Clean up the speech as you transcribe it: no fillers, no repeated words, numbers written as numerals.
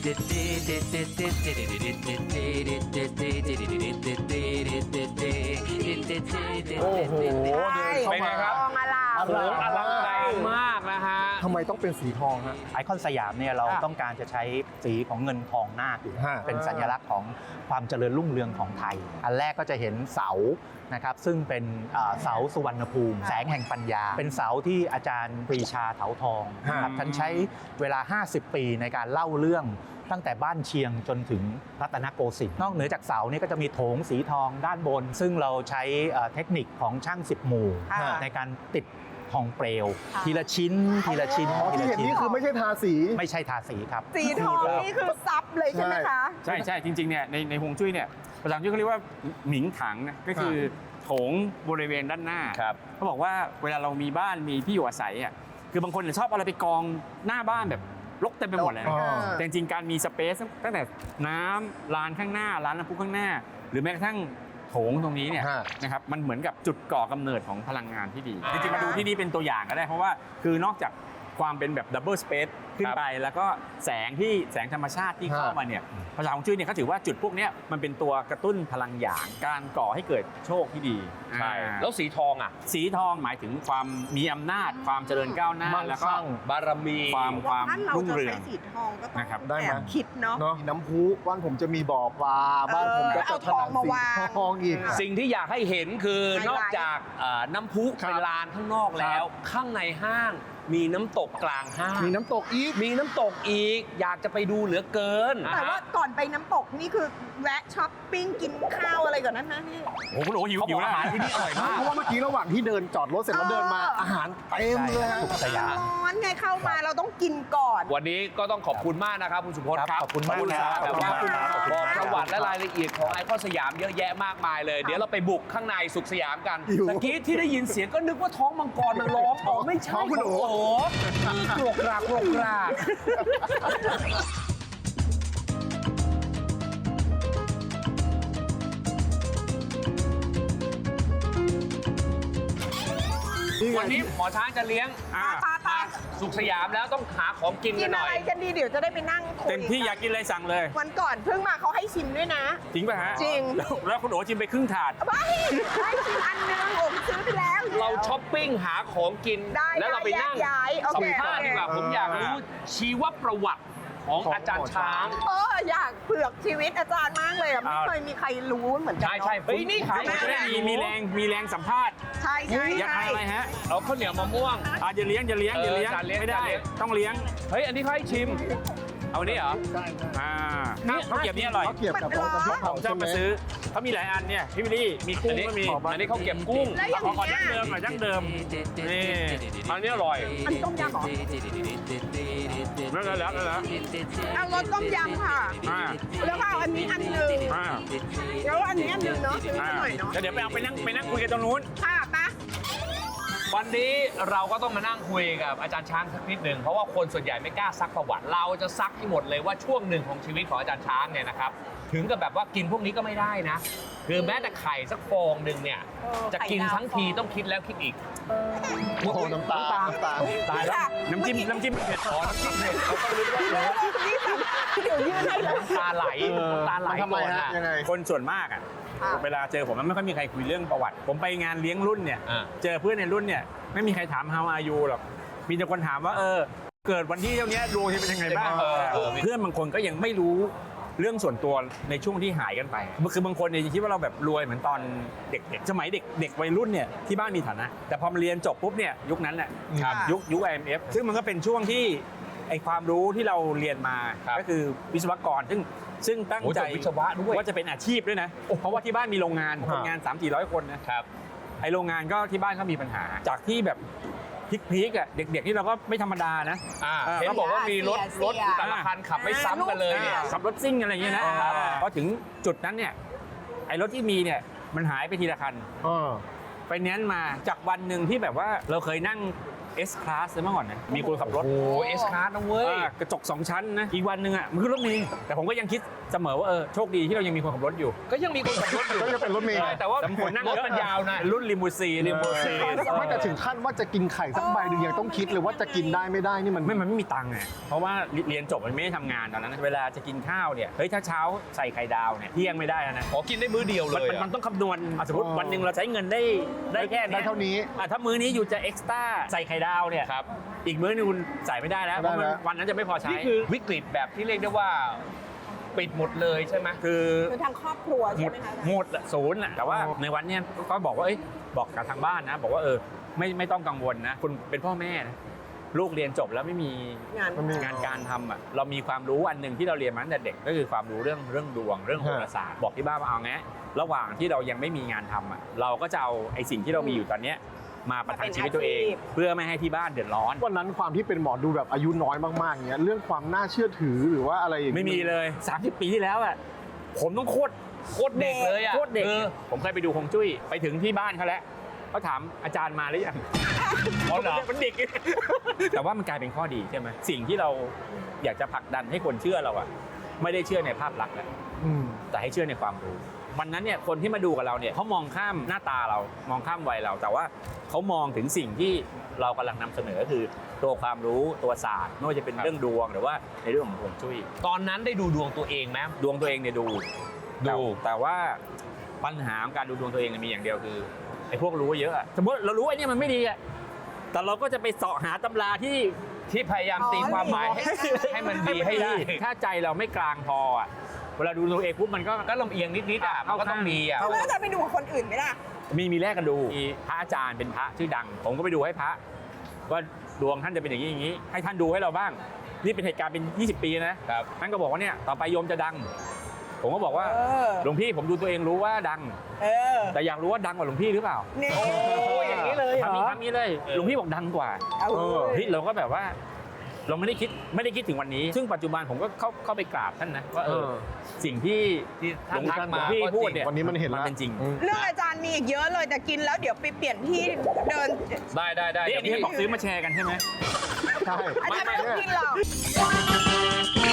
โอ้โหเป็นไงครับทองอลามโอ้โหอลังการมากนะฮะทำไมต้องเป็นสีทองฮะไอคอนสยามเนี่ยเราต้องการจะใช้สีของเงินทองนาคอยู่ฮะเป็นสัญลักษณ์ของความเจริญรุ่งเรืองของไทย อันแรกก็จะเห็นเสานะครับซึ่งเป็นเสาสุวรรณภูมิ แสงแห่งปัญญา เป็นเสาที่อาจารย์ปรีชาเถาทองนะครับท่านใช้เวลา 50 ปีในการเล่าเรื่องตั้งแต่บ้านเชียงจนถึงรัตนโกสินทร์นอกเหนือจากเสานี่ก็จะมีโถงสีทองด้านบน ซึ่งเราใช้เทคนิคของช่าง10หมู่ในการติดทองเปลวทีละชิ้นทีละชิ้นอ๋อที่เห็นนี่คือไม่ใช่ทาสีไม่ใช่ทาสีครับสีทองนี่คือซับเลยใช่ไหมคะใช่จริงๆเนี่ยในฮวงจุ้ยเนี่ยภาษาอังกฤษเขาเรียกว่าหมิงถังนะก็คือโถงบริเวณด้านหน้าเขาบอกว่าเวลาเรามีบ้านมีที่อยู่อาศัยอ่ะคือบางคนชอบอะไรไปกองหน้าบ้านแบบรกเต็มไปหมดเลยนะแต่จริงๆการมีสเปซตั้งแต่น้ำลานข้างหน้าร้านน้ำพุข้างหน้า หรือแม้กระทั่งโถงตรงนี้เนี่ยนะครับมันเหมือนกับจุดก่อกำเนิดของพลังงานที่ดีจริงๆมาดูที่นี่เป็นตัวอย่างก็ได้เพราะว่าคือนอกจากความเป็นแบบดับเบิลสเปซขึ้นไปแล้วก็แสงธรรมชาติที่เข้ามาเนี่ยภาษาฮวงจุ้ยเนี่ยเขาถือว่าจุดพวกนี้มันเป็นตัวกระตุ้นพลังหยางการก่อให้เกิดโชคที่ดีใช่แล้วสีทองอ่ะสีทองหมายถึงความมีอำนาจความเจริญก้าวหน้าแล้วก็บารมีความรุ่งเรืองถ้าเราจะใช้สีทองก็ต้องนะครับได้ไหมแอบคิดเนาะน้ำพุบ้านผมจะมีบ่อปลาบ้านผมก็จะเอาทองมาวางทองอีกสิ่งที่อยากให้เห็นคือนอกจากน้ำพุครับเป็นลานข้างนอกแล้ว ข้างในห้างมีน้ำตกกลางห้างมีน้ำตกอีกมีน้ำตกอีก อยากจะไปดูเหลือเกินแต่ว่าก่อนไปน้ำตกนี่คือแวะช้อปปิ้งกินข้าวอะไรก่อนนั้นนะพี่โอ้โหคุณโอ้หิวเขาบหิอวกแล้วอาหารที่นี่อร่อยมากเพราะว่าเมื่อกี้ระหว่างที่เดินจอดรถเสร็จแล้วเดินมาอาหารเต็มเลยฮะสยามร้อนไงเข้ามาเราต้องกินก่อนวันนี้ก็ต้องขอบคุณมากนะครับคุณสุพจน์ครับขอบคุณมากครับแบบว่าขอบคุณครับบอกประวัติและรายละเอียดของไอคอนสยามเยอะแยะมากมายเลย เดี๋ยวเราไปบุกข้างในสุขสยามกันหิวตะกี้ที่ได้ยินเสียงก็นึกว่าท้องมังกรมันร้องอ๋อไม่ใช่ท้องคุณโอ๋โอ้กรกกรากกรกกราก วันนี้หมอช้างจะเลี้ยงปาสุขสยามแล้วต้องหาของกินกิกัน นหอะน่อไรยกันดีเดี๋ยวจะได้ไปนั่งคุยเต็มที่อยากกินอะไรสั่งเลยวันก่อนเพิ่งมาเขาให้ชิมด้วยนะจริงป่ะฮะจริงแล้วคุณโอ๋ชิมไปครึ่งถาดไม่ให้ชิมอันนึงโอ้ซื้อไปแล้วเราช้อปปิ้งหาของกินได้แล้วเราไปนั่งแยกย้ายโอเคสัมภาษณ์ดีกว่า ผมอยากรู้ชีวประวัติของอาจารย์ช้างอยากเผือกชีวิตอาจารย์มากเลยอะไม่เคยมีใครรู้เหมือนกันใช่ใช่เฮ้ยนี่ขายจะได้มีแรงสัมภาษณ์ใช่ใช่อยากทานอะไรฮะเอาข้าวเหนียวมะม่วงอย่าเลี้ยงไม่ได้ ต้องเลี้ยงเฮ้ยอันนี้เขาให้ชิม เอานี่เหรอข้าวเกรี๊ยวนี่อร่อยเขาเกียบกับของกระเพาะผมชอบมาซื้อเขามีหลายอันเนี่ยพี่วิลลี่มีกุ้งก็มีอันนี้เขาเก็บกุ้งแล้วอย่างขอเงี้ดั้งเดิมยหน่อยดั้งเดิมนี่อันนี้อร่อยอันต้มยำเหรอแล้วเอารสต้มยำค่ะ แล้วก็เอาอันนี้อันหนึ่งแล้วอันนี้อันหนึ่งเนาะซื้อมาหน่อยเนาะเดี๋ยวไปนั่งคุยกันตรงนู้นค่ะปะวันนี้เราก็ต้องมานั่งคุยกับอาจารย์ช้างสักนิดหนึ่งเพราะว่าคนส่วนใหญ่ไม่กล้าซักประวัติ เราจะซักให้หมดเลยว่าช่วงหนึ่งของชีวิตของอาจารย์ช้างเนี่ยนะครับถึงกับแบบว่ากินพวกนี้ก็ไม่ได้นะ คือแม้แต่ไข่สักฟองหนึ่งเนี่ยจะกินทั้งทีต้องคิดแล้วคิดอีกโอ้โหน้ำตาลตายแล้วน้ำจิ้มเผ็ดอ๋อน้ำจิ้มเผ็ดเขาต้องรู้ว่าเดี๋ยวยื่นให้เลยตาไหลตาไหลทำไมก่อนฮะอะยังไงคนส่วนมากอ่ะเวลาเจอผมมันไม่ค่อยมีใครคุยเรื่องประวัติ ผมไปงานเลี้ยงรุ่นเนี่ยเจอเพื่อนในรุ่นเนี่ยไม่มีใครถาม how are you หรอกมีแต่คนถามว่าเกิดวันที่เท่านี้ดวงจะเป็นยังไงบ้างเพื่อนบางคนก็ยังไม่รู้เรื่องส่วนตัวในช่วงที่หายกันไปคือบางคนเนี่ยคิดว่าเราแบบรวยเหมือนตอนเด็กๆสมัยเด็กวัยรุ่นเนี่ยที่บ้านมีฐานะแต่พอมาเรียนจบปุ๊บเนี่ยยุคนั้นแหละยุค IMF ซึ่งมันก็เป็นช่วงที่ไอความรู้ที่เราเรียนมาก็คือวิศวกรซึ่งตั้งใจวิศวะด้วยว่าจะเป็นอาชีพด้วยนะเพราะว่าที่บ้านมีโรงงานคนงาน 300-400 คนนะครับไอโรงงานก็ที่บ้านก็มีปัญหาจากที่แบบพีคๆอ่ะเด็กๆที่เราก็ไม่ธรรมดานะเห็นบอกว่ามีรถแต่ละคันขับไม่ซ้ำกันเลยเนี่ยขับรถซิ่งอะไรอย่างเงี้ยนะพอถึงจุดนั้นเนี่ยไอ้รถที่มีเนี่ยมันหายไปทีละคันไฟแนนซ์มาจากวันหนึ่งที่แบบว่าเราเคยนั่ง S Class เมื่อก่อนนะมีคนขับรถโอ้เอสคาร์ดนะเว้ยกระจก 2 ชั้นนะอีกวันหนึ่งอ่ะมันคือรถเมล์แต่ผมก็ยังคิดเสมอว่าโชคดีที่เรายังมีคนขับรถอยู่ก็ยังมีคนขับรถอยู่ก็จะเป็นรถเมล์ใช่แต่ว่าแต่คนนั่งรถเยอะมันยาวนะรุ่นลิมูซีนไม่แต่ถึงขั้นว่าจะกินไข่สักใบหนึ่งยังต้องคิดเลยว่าจะกินได้ไม่ได้นี่มันมันไม่มีตังค์อ่ะเพราะว่าเรียนจบมันไม่ได้ทำงานตอนนั้นเวลาจะกินข้าวเนี่ยเฮ้ยถ้าเช้าใส่ไข่ดาวเนี่ยเที่ยงไม่ได้แล้วนะขอกินได้มื้อเดียวเลยมันต้องคำนวณสมมติวันหนึ่งเราใช้เงินได้แค่ได้เท่านี้ถ้ามื้อนี้อยู่จะเอ็กซ์ต้าใส่ไข่ดาวเนี่ยครับอีกมื้อนึงคุณใส่ไม่ได้แล้วเพราะมันวันนั้นจะไม่พอใช้นี่คือวิกฤตแบบที่เรียกได้ว่าปิดหมดเลยใช่ไหมคือคือทางครอบครัวหมใช่ดไหมคะหมดอะศูนย์อะแต่ว่าในวันเนี้ยก็บอกว่าบอกกับทางบ้านนะ บอกว่าไม่ต้องกังวลนะคุณเป็นพ่อแม่นะลูกเรียนจบแล้วไม่มีงานงานการทำอ่ะเรามีความรู้อันหนึ่งที่เราเรียนมาตั้งแต่เด็กก็คือความรู้เรื่องดวงเรื่องโหราศาสตร์บอกที่บ้านว่าเอาไงระหว่างที่เรายังไม่มีงานทำอ่ะเราก็จะเอาไอ้สิ่งที่เรามีอยู่ตอนเนี้ยมาประทังชีวิตตัวเอง เพื่อไม่ให้ที่บ้านเดือดร้อนวันนั้นความที่เป็นหมอดูแบบอายุน้อยมากๆเงี้ยเรื่องความน่าเชื่อถือหรือว่าอะไรอย่างไม่งี้มีเลย30 ปีที่แล้วอ่ะผมต้องโคตรเด็กเลยอ่ะโคตรเด็กผมเคยไปดูฮวงจุ้ยไปถึงที่บ้านเขาแล้วเขาถามอาจารย์มาหรือยังอ๋อเหรอมันเด็ก แต่ว่ามันกลายเป็นข้อดีใช่ไหมสิ่งที่เราอยากจะผลักดันให้คนเชื่อเราอะไม่ได้เชื่อในภาพลักษณ์แล้วอืมแต่ให้เชื่อในความรู้วันนั้นเนี่ยคนที่มาดูกับเราเนี่ยเขามองข้ามหน้าตาเรามองข้ามวัยเรา แต่ว่าเขามองถึงสิ่งที่เรากำลังนำเสนอคือตัวความรู้ตัวศาสตร์ไม่ว่าจะเป็นเรื่องดวงหรือว่าในเรื่องของฮวงจุ้ยตอนนั้นได้ดูดวงตัวเองไหมดวงตัวเองเนี่ยดู แต่ว่าปัญหาของการดูดวงตัวเองเนี่ยมีอย่างเดียวคือไอ้พวกรู้เยอะอะสมมติเรารู้ไอ้เนี่ยมันไม่ดีอะแต่เราก็จะไปเสาะหาตำราที่พยายามตีความหมายให้มันดีให้ได้ถ้าใจเราไม่กลางพออะเวลาดูตัวเองปุ๊บมันก็ก็ลำเอียงนิดๆอ่ะมันก็ต้องมีอ่ะแล้วจะไปดูกับคนอื่นไหมล่ะมีแลกกันดูมีพระอาจารย์เป็นพระชื่อดัง ผมก็ไปดูให้พระว่าดวงท่านจะเป็นอย่างนี้อย่างนี้ ให้ท่านดูให้เราบ้างนี่เป็นเหตุการณ์เป็น20 ปีนะครับ ท่านก็บอกว่าเนี่ยต่อไปโยมจะดัง ผมก็บอกว่า หลวงพี่ผมดูตัวเองรู้ว่าดัง แต่อยากรู้ว่าดังกว่าหลวงพี่หรือเปล่านี่โอ้ยอย่างนี้เลยเหรอทำนี้เลยหลวงพี่บอกดังกว่าเอาเฮ้ยเราก็แบบว่าเราไม่ได้คิดถึงวันนี้ ซึ่งปัจจุบันผมก็เข้าไปกราบท่านนะว่าสิ่งที่ท่านทักหลมาวงพี่ก็พูดจริงเนี่ยวันนี้มันเห็นมันแล้วเป็นจริงเรื่องอาจารย์มีอีกเยอะเลยแต่กินแล้วเดี๋ยวไปเปลี่ยนที่เดินได้นี่อันนี้ให้บอกซื้อมาแชร์กันใช่ไหมใช่อาจารย์ไม่ต้องกินหรอก